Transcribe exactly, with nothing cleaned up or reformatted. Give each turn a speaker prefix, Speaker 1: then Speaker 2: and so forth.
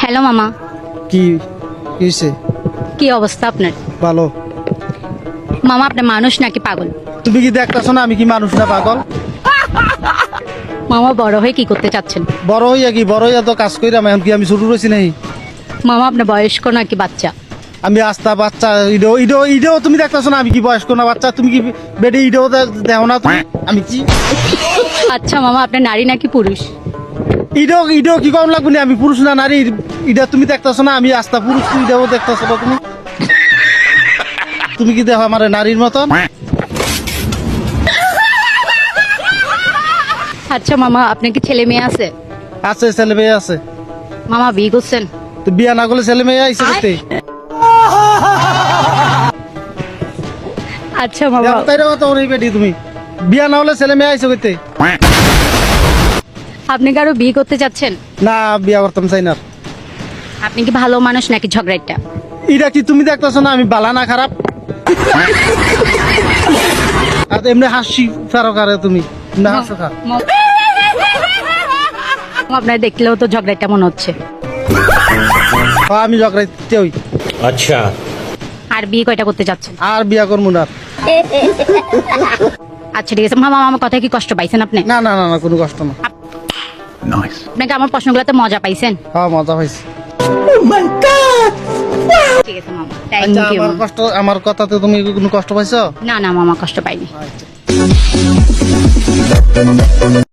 Speaker 1: Hello মামা,
Speaker 2: কি হয়েছে?
Speaker 1: কি অবস্থা আপনার?
Speaker 2: ভালো।
Speaker 1: মামা আপনি মানুষ নাকি পাগল?
Speaker 2: তুমি কি দেখতেছো না আমি কি মানুষ না পাগল?
Speaker 1: মামা বড় হয়ে কি করতে চাচ্ছেন?
Speaker 2: বড় হইয়া কি বড় হইয়া তো কাজ কইরাম, এখন কি আমি ছোট রয়েছি নাই?
Speaker 1: মামা আপনার বয়স্ক নাকি বাচ্চা?
Speaker 2: আমি আস্তা বাচ্চা ইডো ইডো ইডো তুমি দেখতেছো না আমি কি বয়স্ক না বাচ্চা? তুমি কি বেডে ইডো দেখো না তুমি আমি কি?
Speaker 1: আচ্ছা মামা আপনি নারী নাকি পুরুষ?
Speaker 2: ইডো ইডো কি কম লাগবে না? আমি পুরুষ না নারী? ইডা তুমি দেখতেছো না আমি আস্তা পুরুষ, তুই ইডাও দেখতেছো না তুমি? তুমি কি দেখো আমার নারীর মতন?
Speaker 1: আচ্ছা মামা আপনার কি ছেলে মেয়ে আছে?
Speaker 2: আছে, ছেলে মেয়ে আছে।
Speaker 1: মামা বিয়ে করছেন?
Speaker 2: তো বিয়া না করলে ছেলে মেয়ে আইসে করতে?
Speaker 1: আচ্ছা মামা,
Speaker 2: তাই কথা ওর বেটি তুমি বিয়া না হলে ছেলে মেয়ে আইসে করতে?
Speaker 1: আপনি কারো বিয়ে করতে চাচ্ছেন?
Speaker 2: না, বিয়া করতাম চাই না।
Speaker 1: আপনি কি ভালো মানুষ নাকি ঝগড়াটা?
Speaker 2: এটা কি তুমি দেখতেছো না আমি বালা না খারাপ? আর এমনি হাসি ফারো কারে তুমি না হাসো খা।
Speaker 1: আপনার দেখলেও তো ঝগড়াটা মনে হচ্ছে।
Speaker 2: হ্যাঁ, আমি ঝগড়াইতে হই।
Speaker 3: अच्छा
Speaker 1: আর বিয়ে কয়টা করতে চাচ্ছেন?
Speaker 2: আর বিয়া করবো না।
Speaker 1: আচ্ছা ঠিক আছে মামা, আমার কথা কি কষ্ট পাইছেন আপনি?
Speaker 2: না না না না কোনো কষ্ট না।
Speaker 1: আপনাকে আমার প্রশ্নগুলোতে মজা পাইছেন?
Speaker 2: হ্যাঁ, মজা হয়েছে।
Speaker 1: ঠিক আছে মামা, থ্যাংক
Speaker 2: আচ্ছা,
Speaker 1: ইউ।
Speaker 2: আমার কষ্ট আমার কথাতে তুমি কোনো কষ্ট পাইছো?
Speaker 1: না না মামা, কষ্ট পাইনি।